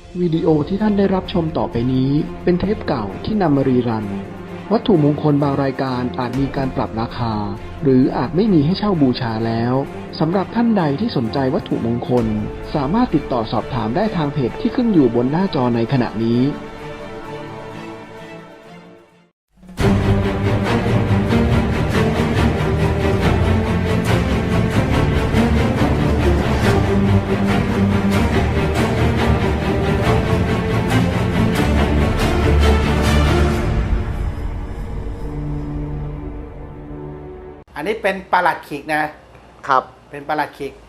วิดีโอที่ท่านได้รับชมต่อไปนี้เป็นเทปเก่าที่นำมารีรันวัตถุมงคลบางรายการอาจมีการปรับราคาหรืออาจไม่มีให้เช่าบูชาแล้วสำหรับท่านใดที่สนใจวัตถุมงคลสามารถติดต่อสอบถามได้ทางเพจที่ขึ้นอยู่บนหน้าจอในขณะนี้อันนี้เป็นปลัดขิกนะครับเป็นปลัดขิก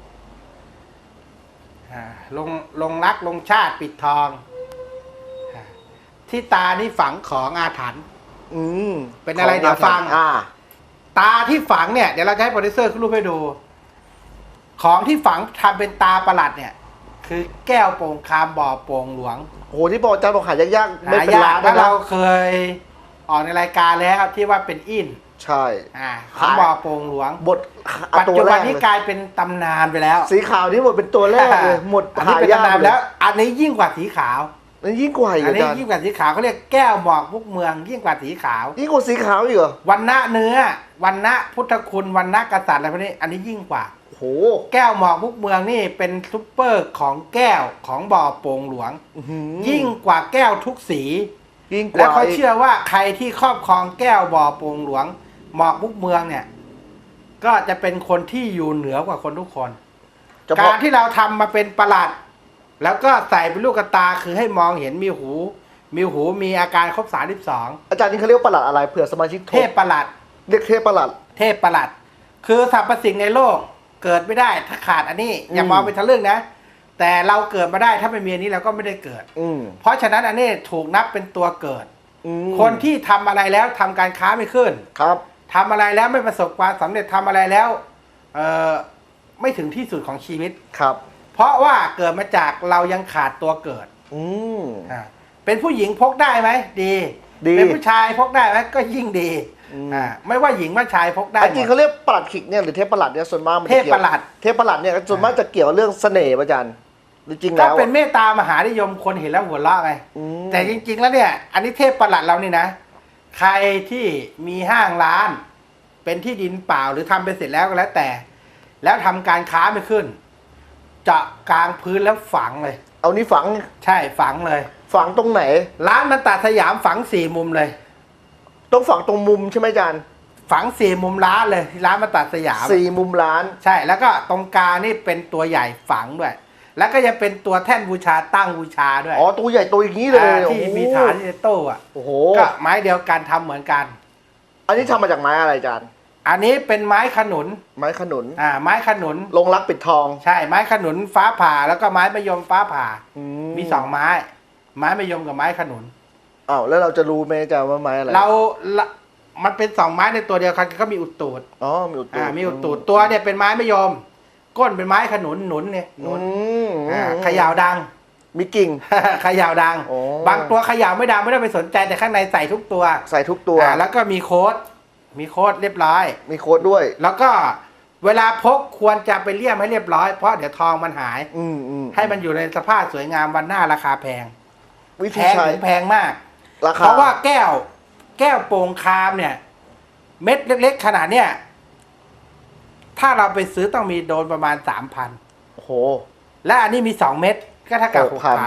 ลงรักลงชาติปิดทองที่ตานี่ฝังของอาถรรพ์เป็นอะไรเดี๋ยวฟังตาที่ฝังเนี่ยเดี๋ยวเราจะให้โปรดิวเซอร์ขึ้นรูปให้ดูของที่ฝังทำเป็นตาประหลัดเนี่ยคือแก้วโป่งคามบ่อโป่งหลวงโอ้โหที่บอกอาจารย์บอกหายากๆไม่เป็นล้านแล้วเราเคยออกในรายการแล้วที่ว่าเป็นอินใช่ของบ่อโป่งหลวงบทปัจจุบันนี้กลายเป็นตำนานไปแล้วสีขาวนี่หมดเป็นตัวแรกเลยหมดหายากแล้วอันนี้ยิ่งกว่าสีขาวอันนี้ยิ่งกว่าอีกอันนี้ยิ่งกว่าสีขาวเขาเรียกแก้วหมอกมุกเมืองยิ่งกว่าสีขาวยิ่งกว่าสีขาวอีกเหรอวันณะเนื้อวันณะพุทธคุณวันณะกษัตริย์อะไรพวกนี้อันนี้ยิ่งกว่าโหแก้วหมอกมุกเมืองนี่เป็นซุปเปอร์ของแก้วของบ่อโป่งหลวงยิ่งกว่าแก้วทุกสีแล้วเขาเชื่อว่าใครที่ครอบครองแก้วบ่อโป่งหลวงหมอกมุกเมืองเนี่ยก็จะเป็นคนที่อยู่เหนือกว่าคนทุกคนการที่เราทำมาเป็นประหลัดแล้วก็ใส่เป็นลูกตาคือให้มองเห็นมีหูมีอาการครบ32 อาจารย์นี่เขาเรียกประหลัดอะไรเผื่อสมาชิกเทพประหลัดเรียกเทพประหลัดคือสรรพสิ่งในโลกเกิดไม่ได้ถ้าขาดอันนี้อย่ามองไปทะลึ่งนะแต่เราเกิดมาได้ถ้าไม่มีอันนี้เราก็ไม่ได้เกิดเพราะฉะนั้นอันนี้ถูกนับเป็นตัวเกิดคนที่ทำอะไรแล้วทำการค้าไม่ขึ้นครับทำอะไรแล้วไม่ประสบความสำเร็จทำอะไรแล้วไม่ถึงที่สุดของชีวิตครับเพราะว่าเกิดมาจากเรายังขาดตัวเกิดเป็นผู้หญิงพกได้ไหมดีเป็นผู้ชายพกได้ไหมก็ยิ่งดีไม่ว่าหญิงว่าชายพกได้จริงเขาเรียกปลัดขิกเนี่ยหรือเทพประหลัดเนี่ยส่วนมากมันเทพประหลัดเนี่ยส่วนมากจะเกี่ยวเรื่องเสน่ห์อาจารย์จริงแล้วก็เป็นเมตตามหานิยมคนเห็นแล้วหัวเราะไงแต่จริงๆแล้วเนี่ยอันนี้เทพประหลัดเรานี่นะใครที่มีห้างร้านเป็นที่ดินเปล่าหรือทำไปเสร็จแล้วก็แล้วแต่แล้วทำการค้าไม่ขึ้นเจาะกลางพื้นแล้วฝังเลยเอานี้ฝังใช่ฝังเลยฝังตรงไหนร้านมันตัดสยามฝัง4 มุมเลยต้องฝังตรงมุมใช่ไหมอาจารย์ฝัง4 มุมร้านเลยที่ร้านมันตัดสยาม 4 มุมร้านใช่แล้วก็ตรงกลางนี่เป็นตัวใหญ่ฝังด้วยแล้วก็จะเป็นตัวแท่นบูชาตั้งบูชาด้วยอ๋อตัวใหญ่ตัวอย่างนี้เลยที่มีฐานที่โต้อะโอ้โหก็ไม้เดียวกันทำเหมือนกันอันนี้ทำมาจากไม้อะไรอาจารย์อันนี้เป็นไม้ขนุนไม้ขนุนไม้ขนุนลงรักปิดทองใช่ไม้ขนุนฟ้าผ่าแล้วก็ไม้มะยมฟ้าผ่ามี2 ไม้มะยมกับไม้ขนุนอ้าวแล้วเราจะรู้ไหมอาจารย์ว่าไม้อะไรมันเป็น2 ไม้ในตัวเดียวกันก็มีอุดตูดมีอุดตูดมีอุดตูดตัวเนี่ยเป็นไม้มะยมก้นเป็นไม้ขนุนหนุนเนี่ยหนุนขยาวดังมีกิ่งขยาวดังบางตัวขยาวไม่ดังไม่ต้องไปสนใจแต่ข้างในใส่ทุกตัวแล้วก็มีโค้ดเรียบร้อยมีโค้ดด้วยแล้วก็เวลาพกควรจะไปเลี่ยมให้เรียบร้อยเพราะเดี๋ยวทองมันหายให้มันอยู่ในสภาพสวยงามวันหน้าราคาแพงแพงมากเพราะว่าแก้วโป่งคามเนี่ยเม็ดเล็กๆขนาดเนี้ยถ้าเราไปซื้อต้องมีโดนประมาณ 3,000 โอ้โหและอันนี้มี2 เม็ดก็เท่ากับ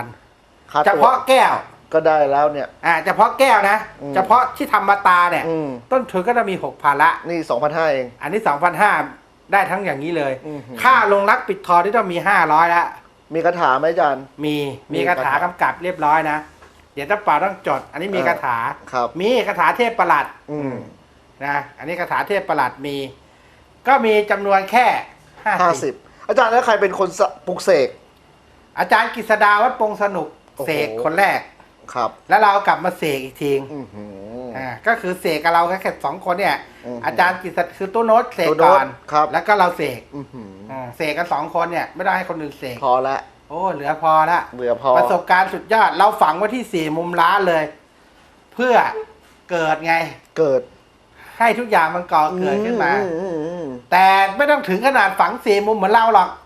6,000เฉพาะแก้วก็ได้แล้วเนี่ยเฉพาะแก้วนะเฉพาะที่ทำมาตาเนี่ยต้นทุนก็จะมี 6,000 ละนี่ 2,500 เองอันนี้ 2,500 ได้ทั้งอย่างนี้เลยค่าลงรักปิดทองที่ต้องมี500ละมีคาถาไหมอาจารย์มีคาถากำกับเรียบร้อยนะเดี๋ยวถ้าเปล่าต้องจดอันนี้มีคาถามีคาถาเทพประหลัดนะอันนี้คาถาเทพประหลัดก็มีจำนวนแค่ 50อาจารย์แล้วใครเป็นคนปลุกเสกอาจารย์กฤษดาวัดปงสนุกเสกคนแรกครับแล้วเรากลับมาเสกอีกทีก็คือเสกกับเราแค่2 คนเนี่ยอาจารย์กฤษคือตู้โน้ตเสกก่อนแล้วก็เราเสกเสกกัน2 คนเนี่ยไม่ได้ให้คนอื่นเสกพอละโอ้เหลือพอประสบการณ์สุดยอดเราฝังไว้ที่4 มุมร้านเลยเพื่อเกิดไงเกิดให้ทุกอย่างมันก่อเกิดขึ้นมาแต่ไม่ต้องถึงขนาดฝัง4 มุมเหมือนเราหรอก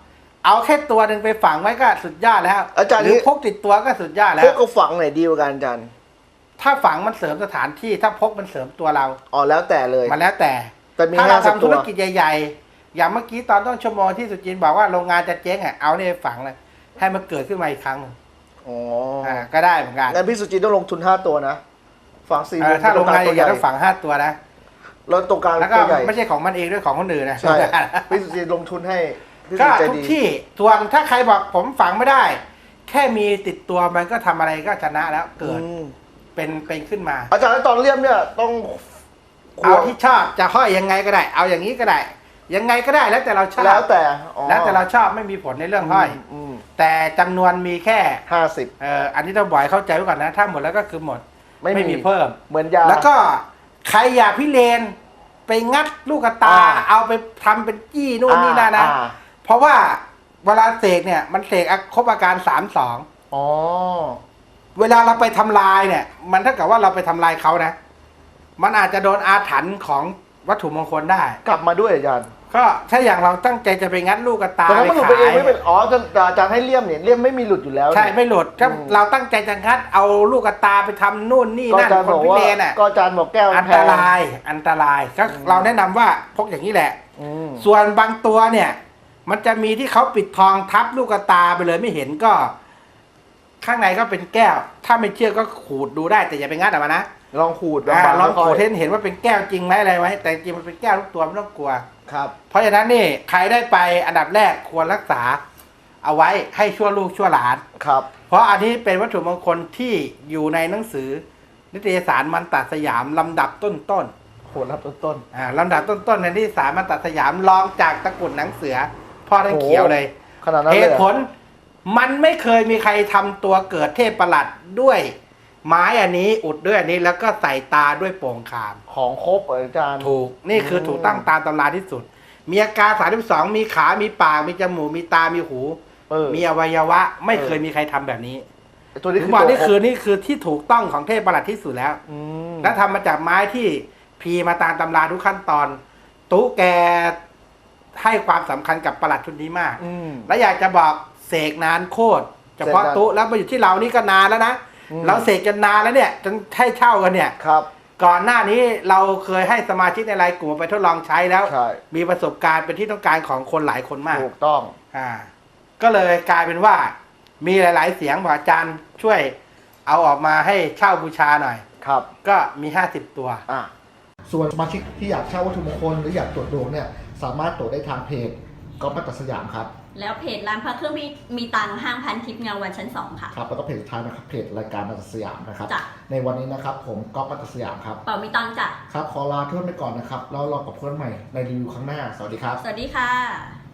เอาแค่ตัวหนึ่งไปฝังไว้ก็สุดยอดแล้วอาจารย์หรือพกติดตัวก็สุดยอดแล้พวกกับฝังไหนดีกว่ากันอาจารย์ถ้าฝังมันเสริมสถานที่ถ้าพกมันเสริมตัวเราอ๋อแล้วแต่เลยมันแล้วแต่แต่มีถ้าเรา 50 ทำธุรตัวกิจใหญ่ๆอย่างเมื่อกี้ตอนต้นชั่วโมงที่สุจินบอกว่าโรงงานจะเจ๊งอ่ะเอาเนี่ยฝังเลยให้มันเกิดขึ้นมาอีกครั้งหนึ่งอ๋อก็ได้เหมือนกันงั้นพี่สุจินต้องลงทุน5ตัวนะฝัง4มุมถ้าโรงงานตัวใหญ่ๆต้องฝัง5 ตัวนะแล้วตรงกลางแล้วก็ตัวใหญ่ไม่ใช่ของมันเองด้วยของคนอื่นนะใช่พี่สุจินลงทุนให้พี่สุก็จินใจทุกดีที่ส่วนถ้าใครบอกผมฝังไม่ได้ แค่มีติดตัวมันก็ทำอะไรก็ชนะแล้วเกิดอืมเป็นขึ้นมาอาจารย์แล้วตอนเลี่ยมเนี่ยต้องเอาที่ชอบจะห้อยยังไงก็ได้ เอาอย่างนี้ก็ได้ ยังไงก็ได้แล้วแต่เราชอบแล้วแต่อ๋อแล้วแต่เราชอบไม่มีผลในเรื่องห้อยมแต่จำนวนมีแค่ 50 อันนี้ต้องบ่อยเข้าใจไว้ก่อนนะ ถ้าหมดแล้วก็คือหมด ไม่มีเพิ่มเหมือนยาแล้วก็ใครอยากพิเรนไปงัดลูกตา เอาไปทำเป็นจี้นู่นนี่นั่นนะ เพราะว่าเวลาเสกเนี่ยมันเสกครบอาการ3-2 อ๋อเวลาเราไปทำลายเนี่ย มันเท่ากับว่าเราไปทำลายเขานะ มันอาจจะโดนอาถรรพ์ของวัตถุมงคลได้กลับมาด้วยอาจารย์ก็ถ้าอย่างเราตั้งใจจะไปงัดลูกตาแต่ถ้ามันหลุดไปขาเองยไม่เป็นอ๋ออาจารย์ให้เลี่ยมเนี่ยเลี่ยมไม่มีหลุดอยู่แล้วใช่ไม่หลุดถ้าอืมเราตั้งใจจะงัดเอาลูกตาไปทำนู่นนี่ก็นั่นอาจารย์คบนอกพิว่าเรนอ่ะก็อาจารย์บอกแก้วอันแพตงรายอันตรายก็เราแนะนำว่าพกอย่างนี้แหละอืมส่วนบางตัวเนี่ย มันจะมีที่เขาปิดทองทับลูกตาไปเลยไม่เห็นก็ ข้างในก็เป็นแก้ว ถ้าไม่เชื่อก็ขูดดูได้แต่อย่าไปงัดออกมานะลองขูดลองขูดค่ยเห็นว่าเป็นแก้วจริงไหมอะไรไหมแต่จริงมันเป็นแก้วทุกตัวไม่ต้องกลัวครับเพราะฉะนั้นนี่ใครได้ไปอันดับแรกควรรักษา เอาไว้ให้ชั่วลูกชั่วหลานครับเพราะอันนี้เป็นวัตถุมงคลที่อยู่ในหนังสือ นิตยสารมันตสยามลำดับต้นโหรับต้นๆลำดับต้นๆในนิตยสารมันตสยามรองจากตะกรุดหนังเสือ พ่อท่านเขียวเลยขนาดนั้นเหเลยตุผลมันไม่เคยมีใครทำตัวเกิดเทพประหลัดด้วย ไม้อันนี้อุดด้วยอันนี้แล้วก็ใส่ตาด้วยโป่งคามของครบอาจารย์ถูกนี่คือถูกตั้งตามตำราที่สุด มีอาการ32มีขามีปากมีจมูกมีตามีหู มีอวัยวะ ไม่เคยมีใครทำแบบนี้ตัวนี้ถึคืงอบอกตัวนี่ครบคือที่ถูกต้องของเทพประหลัดที่สุดแล้วมและทำมาจากไม้ที่พีมาตามตำราทุกขั้นตอนตู้แกให้ความสำคัญกับประหลัดชุดนี้มากอืมและอยากจะบอกเสกนานโคตรเฉพาะเสกนานตู้แล้วมาอยู่ที่เรานี่ก็นานแล้วนะอืมเราเสกจนนานแล้วเนี่ยจนให้เช่ากันเนี่ยครับก่อนหน้านี้เราเคยให้สมาชิกในรายกลุ่มไปทดลองใช้แล้วใช่มีประสบการณ์เป็นที่ต้องการของคนหลายคนมากถูกต้องก็เลยกลายเป็นว่ามีหลาย ๆ เสียงบอกอาจารย์ช่วยเอาออกมาให้เช่าบูชาหน่อยครับก็มี50 ตัวส่วนสมาชิกที่อยากเช่าวัตถุมงคลหรืออยากตรวจดวงเนี่ยสามารถตรวจได้ทางเพจก๊อฟมัตตสยามครับแล้วเพจร้านพระเครื่องมีตังค์ห้างพันทิพย์เงาวันชั้น 2 ค่ะครับแล้วก็เพจสุดท้ายนะครับเพจรายการมัตตสยามนะครับจ้ะในวันนี้นะครับผมก๊อฟมัตตสยามครับเป่ามีตังค์จ้ะครับขอลาเพื่อนไปก่อนนะครับแล้วรอกับเพื่อนใหม่ในรีวิวครั้งหน้าสวัสดีครับสวัสดีค่ะ